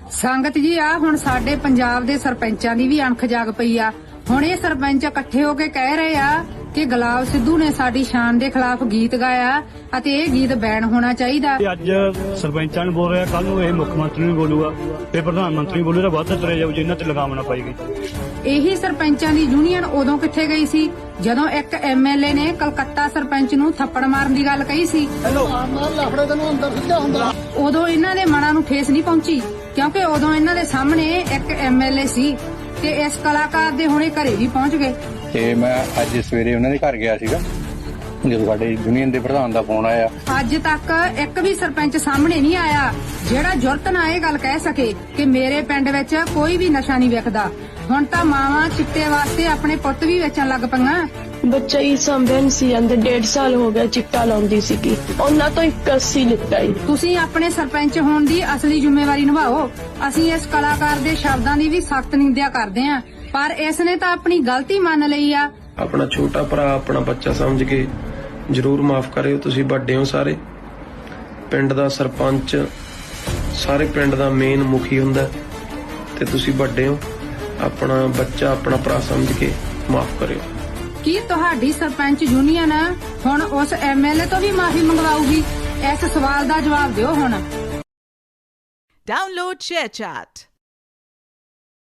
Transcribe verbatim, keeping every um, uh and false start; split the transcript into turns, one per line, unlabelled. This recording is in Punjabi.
ਸੰਗਤ ਜੀ ਆ ਹੁਣ ਸਾਡੇ ਪੰਜਾਬ ਦੇ ਸਰਪੰਚਾਂ ਦੀ ਵੀ ਅਣਖ ਜਾਗ ਪਈ ਆ। ਹੁਣ ਇਹ ਸਰਪੰਚ ਇਕੱਠੇ ਹੋ ਕੇ ਕਹਿ ਰਹੇ ਆ ਕਿ ਗੁਲਾਬ ਸਿੱਧੂ ਨੇ ਸਾਡੀ ਸ਼ਾਨ ਦੇ ਖਿਲਾਫ ਗੀਤ ਗਾਇਆ ਅਤੇ ਇਹ ਗੀਤ ਬੈਨ ਹੋਣਾ ਚਾਹੀਦਾ।
ਅੱਜ ਸਰਪੰਚਾਂ ਨੂੰ ਬੋਲ ਰਿਹਾ, ਕੱਲ ਨੂੰ ਇਹ ਮੁੱਖ ਮੰਤਰੀ ਨੂੰ ਬੋਲੂਗਾ, ਤੇ ਪ੍ਰਧਾਨ ਮੰਤਰੀ ਬੋਲੂਗਾ, ਵੱਧ ਤੁਰੇ ਜਾਊ ਜਿਨ੍ਹਾਂ ਤੇ ਲਗਾਮ ਨਾ ਪਾਈ ਗਈ।
ਇਹੀ ਸਰਪੰਚਾਂ ਦੀ ਯੂਨੀਅਨ ਉਦੋਂ ਕਿੱਥੇ ਗਈ ਸੀ ਜਦੋਂ ਇੱਕ ਐਮਐਲਏ ਨੇ ਕਲਕੱਤਾ ਸਰਪੰਚ ਨੂੰ ਥੱਪੜ ਮਾਰਨ ਦੀ ਗੱਲ ਕਹੀ ਸੀ। ਉਦੋਂ ਇਹਨਾਂ ਦੇ ਮਨਾਂ ਨੂੰ ਠੇਸ ਨਹੀਂ ਪਹੁੰਚੀ ਕਿਉਂਕਿ ਉਦੋਂ ਇਹਨਾਂ ਦੇ ਸਾਹਮਣੇ ਇੱਕ ਐਮਐਲਏ ਸੀ ਤੇ ਇਸ ਕਲਾਕਾਰ ਦੇ ਹੁਣੇ ਘਰੇ ਵੀ ਪਹੁੰਚ ਗਏ।
ਤੇ ਮੈਂ ਅੱਜ ਸਵੇਰੇ ਉਹਨਾਂ ਦੇ ਘਰ ਗਿਆ ਸੀਗਾ ਜਦੋਂ ਸਾਡੇ ਯੂਨੀਅਨ ਦੇ ਪ੍ਰਧਾਨ ਦਾ ਫੋਨ ਆਇਆ।
ਅੱਜ ਤੱਕ ਇੱਕ ਵੀ ਸਰਪੰਚ ਸਾਹਮਣੇ ਨਹੀਂ ਆਇਆ ਜਿਹੜਾ ਜੁਰਤ ਨਾਲ ਇਹ ਗੱਲ ਕਹਿ ਸਕੇ ਕਿ ਮੇਰੇ ਪਿੰਡ ਵਿੱਚ ਕੋਈ ਵੀ ਨਸ਼ਾ ਨਹੀਂ ਵਿਕਦਾ। ਹੁਣ ਤਾਂ ਮਾਵਾਂ ਚਿੱਟੇ ਵਾਸਤੇ ਆਪਣੇ ਪੁੱਤ ਵੀ ਵੇਚਣ ਲੱਗ ਪਈਆਂ।
ਬੱਚਾ ਹੀ ਸੰਭਨ ਸੀ ਅੰਦਰ ਡੇਢ ਸਾਲ ਹੋ ਗਿਆ ਚਿੱਟਾ ਲਾਉਂਦੀ ਸੀਗੀ, ਉਹਨਾਂ ਤੋਂ ਇੱਕ ਅੱਸੀ ਲਿੱਤਾ ਹੀ।
ਤੁਸੀਂ ਆਪਣੇ ਸਰਪੰਚ ਹੋਣ ਦੀ ਅਸਲੀ ਜ਼ਿੰਮੇਵਾਰੀ ਨਿਭਾਓ। ਅਸੀਂ ਇਸ ਕਲਾਕਾਰ ਦੇ ਸ਼ਬਦਾਂ ਦੀ ਵੀ ਸਖਤ ਨਿੰਦਿਆ ਕਰਦੇ ਆਂ, ਪਰ ਇਸ ਨੇ ਤਾਂ ਆਪਣੀ ਗਲਤੀ ਮੰਨ ਲਈ ਆ।
ਆਪਣਾ ਛੋਟਾ ਭਰਾ ਆਪਣਾ ਬੱਚਾ ਸਮਝ ਕੇ ਜ਼ਰੂਰ ਮਾਫ ਕਰਿਓ। ਤੁਸੀਂ ਵੱਡੇ ਹੋ, ਸਾਰੇ ਪਿੰਡ ਦਾ ਸਰਪੰਚ ਸਾਰੇ ਪਿੰਡ ਦਾ ਮੇਨ ਮੁਖੀ ਹੁੰਦਾ ਤੇ ਤੁਸੀਂ ਵੱਡੇ ਹੋ, ਆਪਣਾ ਬੱਚਾ ਆਪਣਾ ਭਰਾ ਸਮਝ ਕੇ ਮਾਫ ਕਰਿਓ।
ਕੀ ਤੁਹਾਡੀ ਸਰਪੰਚ ਯੂਨੀਅਨ ਹੁਣ ਉਸ ਐਮਐਲਏ ਤੋਂ ਵੀ ਮਾਫੀ ਮੰਗਵਾਊਗੀ? ਇਸ ਸਵਾਲ ਦਾ ਜਵਾਬ ਦਿਓ ਹੁਣ।
Download ShareChat.